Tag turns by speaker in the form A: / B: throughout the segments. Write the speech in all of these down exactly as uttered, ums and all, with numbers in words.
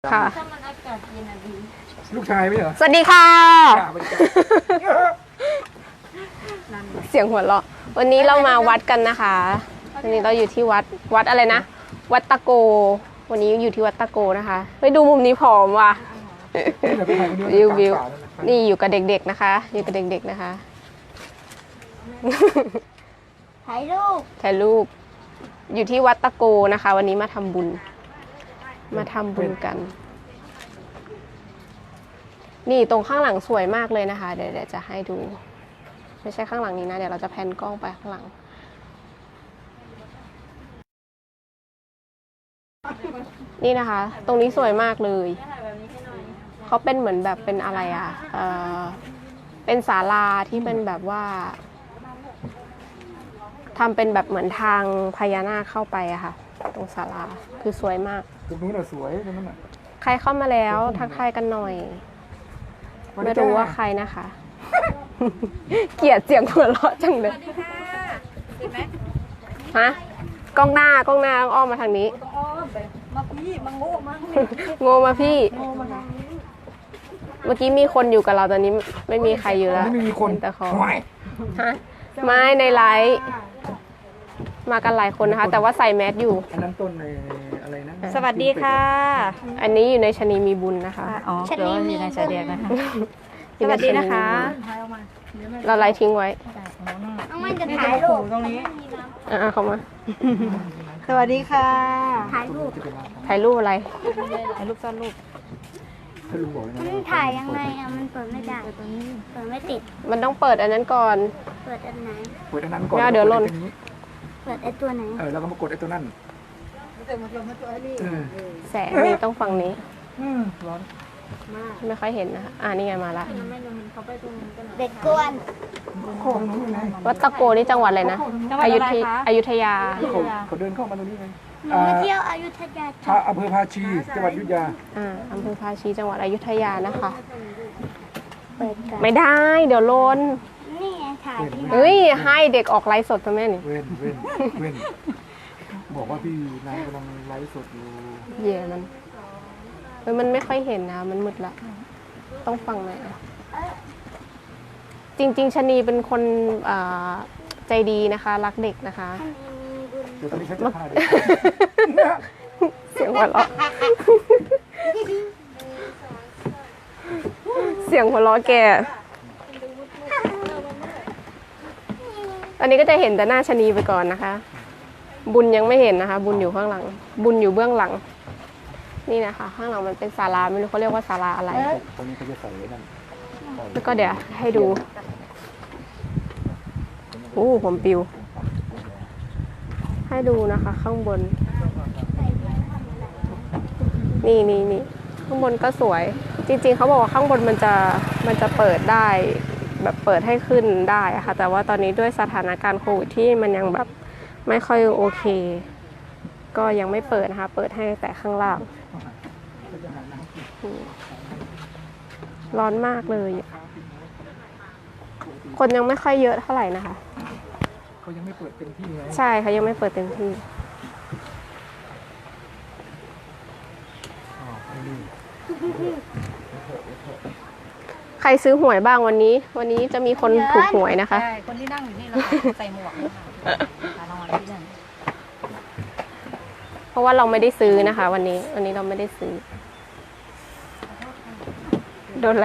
A: ค่ะ
B: ถ้ามันอากาศเย็นอะดี
C: ลูกชายไม่เหรอ
A: สวัสดีค่ะ
C: ด่าไปจ้ะ
A: เสียงหัวเราะวันนี้เรามาวัดกันนะคะ วันนี้เราอยู่ที่วัดวัดอะไรนะ วัดตะโก วันนี้อยู่ที่วัดตะโกนะคะไปดูมุมนี้ผอมว่ะ
C: นี่แหละไปถ่ายคนเดียว
A: วิววิว
C: กลางป่านั่นแหละ
A: นี่อยู่กับเด็กๆนะคะ อยู่กับเด็กๆนะคะ
B: ถ่ายรูป
A: ถ่ายรูปอยู่ที่วัดตะโกนะคะ วันนี้มาทำบุญ มาทำบุญกัน นี่ตรงข้างหลังสวยมากเลยนะคะ เดี๋ยวเดี๋ยวจะให้ดู ไม่ใช่ข้างหลังนี้นะ เดี๋ยวเราจะแพนกล้องไปข้างหลัง นี่นะคะ ตรงนี้สวยมากเลย
B: ถ่ายแบบนี้ให้หน่อย
A: เขาเป็นเหมือนแบบเป็นอะไรอ่ะเออเป็นศาลาที่เป็นแบบว่าทำเป็นแบบเหมือนทางพญานาคเข้าไปอะค่ะ ตรงศาลาคือสวยมาก
C: ตรงนู้นน่ะสวยตรงนั้นน่ะ
A: ใครเข้ามาแล้วทักทายกันหน่อย ไม่รู้ว่าใครนะคะ เกลียดเสียงหัวเราะจังเลยฮะกล้องหน้ากล้องหน้าต้องอ้อมมาทางนี้
B: ต้องอ้อมไปมาพี่มาโง่มา
A: โง่มาพี่
B: โง่มาทางนี้
A: เมื่อกี้มีคนอยู่กับเราตอนนี้ไม่มีใครอยู่แล้ว
C: ไม่มีคน
A: แต่เขา
C: ห่วย
A: ฮะไม่ในไลฟ์มากันหลายคนนะคะ แต่ว่าใส่แมสอยู่
C: อันนั้นต้นในอะไรนะ
D: สวัสดีค่ะ
A: อันนี้อยู่ในชะนีมีบุญนะคะ
D: อ๋อเดี๋ยวอยู่ในชายแดนนะคะ
A: อยู่
D: ส
A: ใน
D: วัสดีนะคะ
B: ถ่ายออกมาเดี๋ยวมัน
A: เราไลฟ์ทิ้งไว้
B: น้องมันจะถ่ายรูป
D: ตรงนี้
A: อ่ะๆเข้ามา
D: สวัสดีค่ะ
B: ถ่ายรูป
A: ถ่ายรูปอะไร
D: ถ่ายรูปซ่อนรูป
C: ถ้าลุงบอกเลยนะ
B: มันถ่ายยังไงอะมันเปิดไม่ได้เปิดไม่ติด
A: มันต้องเปิดอันนั้นก่อน
B: เปิดอันไหน
C: เปิดอันนั้นก่อน
A: ไม่เอาเดี๋ยวหล่น
C: ปิไอ้ตัวนี้
B: เปิดไอตัวไหน
C: เออแล้วก็มากดไอ้ตัวนั้นเออ
A: แสงนี่ต้องฝั่งนี้
C: อืมร้อน
A: ไม่ค่อยเห็นนะคะอ่านี่ไงมาละ
B: เด็กกวน
C: โค้งนู้นยังไง
A: วัดตะโกนี่จังหวัดอะไรนะ
D: จังหวัด
A: อยุ
D: อะไร
A: ธย
D: คะ
A: อยุธยา
C: เขาเขาเดินเข้ามาตรงนี้ไง
B: หนูมาเที่ยวอยุธยา
C: พาอำเภอภาชีจังหวัดอยุธยา
A: อ่าอำเภอภาชีจังหวัดอยุธยานะคะ
B: เปิดกัน
A: ไม่ได้ เดี๋ยวโลน
B: นี่ไงถ่ายที่
A: เฮ้ย ให้เด็กออกไลฟ์สดทำไมนี่
C: เว้นเว้นเว้นบอกว่าพี่นายกำลังไลฟ์สดอยู่
A: เย่มันเฮ้ยมันไม่ค่อยเห็นนะ มันมืดละ ต้องฟังหน่อยนะจริง ๆชะนีเป็นคนอ่าใจดีนะคะ รักเด็กนะคะ
C: เดี๋ยวตอนนี้ฉันจะพาเด็ก
A: เสียงหัวเราะ เสียงหัวเราะแก อันนี้ก็จะเห็นแต่หน้าชะนีไปก่อนนะคะ บุญยังไม่เห็นนะคะ บุญอยู่ข้างหลัง บุญอยู่เบื้องหลัง นี่นะคะ ข้างหลังมันเป็นศาลาไม่รู้เขาเรียกว่าศาลาอะไร
C: ตรงนี้เขาจะใส่ไว้นั่น
A: แล้วก็เดี๋ยวให้ดูโอ้ผมปิว ให้ดูนะคะ ข้างบน นี่นี่นี่ข้างบนก็สวย จริงๆเขาบอกว่าข้างบนมันจะมันจะเปิดได้แบบเปิดให้ขึ้นได้อะค่ะแต่ว่าตอนนี้ด้วยสถานการณ์โควิดที่มันยังแบบไม่ค่อยโอเค ก็ยังไม่เปิดนะคะ เปิดให้แต่ข้างล่างร้อนมากเลย คนยังไม่ค่อยเยอะเท่าไหร่นะคะ
C: เขายังไม่เปิดเต็มที่ไง
A: ใช่เขายังไม่เปิดเต็มที่
C: อ๋อไม่ดี
A: ใครซื้อหวยบ้างวันนี้ วันนี้จะมีคนถูกหวยนะคะ
D: ใช่ คนที่นั่งอยู่นี่เราใส่หมวกนะคะตาลอยที่นั่น
A: เพราะว่าเราไม่ได้ซื้อนะคะ วันนี้ วันนี้เราไม่ได้ซื้อ โดนอะไร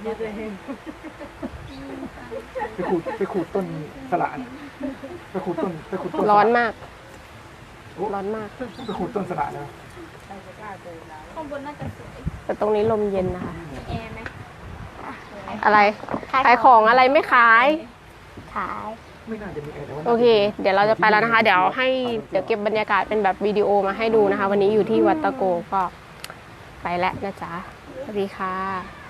C: ไปขูดไปขูดต้นสละน่ะไปขูดต้นไปขูดต้น
A: ร้อนมาก ร้อนมาก
C: ไปขูดต้นสละนะ
B: ข้างบนน่าจะสวย
A: แต่ตรงนี้ลมเย็นนะคะ
B: มีแอร์ไหม
A: อะไร ขายของอะไรไม่ขาย
B: ขาย
C: ไม่น่าจะมีแอร์แต่ว่า
A: โอเค เดี๋ยวเราจะไปแล้วนะคะ เดี๋ยวให้ เดี๋ยวเก็บบรรยากาศเป็นแบบวิดีโอมาให้ดูนะคะ วันนี้อยู่ที่วัดตะโกก็ไปแล้วนะจ๊ะ สวัสดีค่ะ